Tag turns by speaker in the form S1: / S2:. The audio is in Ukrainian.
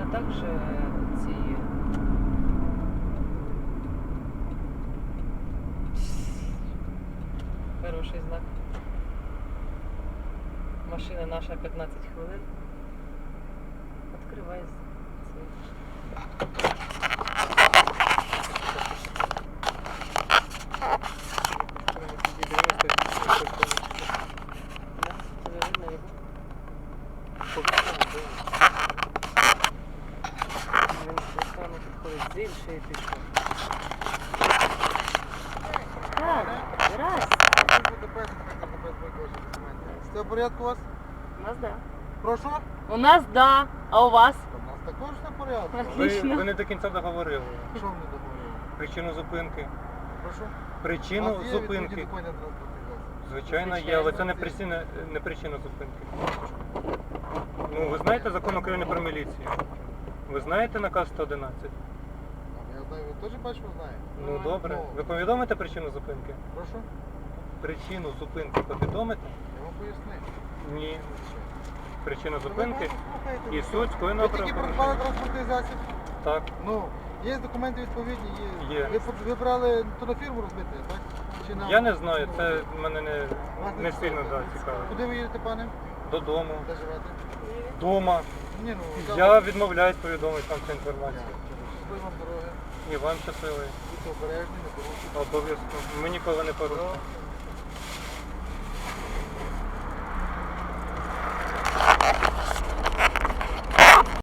S1: а також ці хороший знак. Машина наша 15 хвилин. Відкривай цей. З іншої пішов. Так, раз.
S2: Все в порядку у вас?
S1: У нас да.
S2: Прошу?
S1: У нас да, а у вас?
S2: У нас також все в порядку.
S1: Отлично.
S3: Ви не до кінця договорили.
S2: Що мені договорили?
S3: Причину зупинки.
S2: Прошу?
S3: Причину
S2: У вас є
S3: зупинки.
S2: відповідні документи на транспортний засіб?
S3: Звичайно, є, але це не причина зупинки. Ну, ви знаєте закон України про міліцію? Ви знаєте наказ 111?
S2: Я знаю, ви теж бачу, знаєте?
S3: Ну добре. Ви повідомите причину зупинки?
S2: Прошу?
S3: Причину зупинки повідомите?
S2: Я вам пояснив.
S3: Ні. Причина зупинки
S2: Слухайте,
S3: і
S2: ви
S3: суть
S2: що?
S3: скоєного
S2: Ви тільки
S3: правопорушення.
S2: придбали транспортний засіб?
S3: Так.
S2: Ну, є документи відповідні, є.
S3: Є.
S2: Ви брали то на фірму розбити, так? Чи на...
S3: Я не знаю, це мене
S2: Вас
S3: не сильно
S2: цікавить.
S3: цікавить.
S2: Куди ви їдете, пане?
S3: Додому.
S2: Де живете?
S3: Дома.
S2: Ні, ну,
S3: Я відмовляюсь повідомити вам цю інформацію.
S2: Щасливої вам дороги.
S3: І вам щасливий.
S2: Будьте обережні, не порушуйте.
S3: Обов'язково. Ми ніколи не порушимо.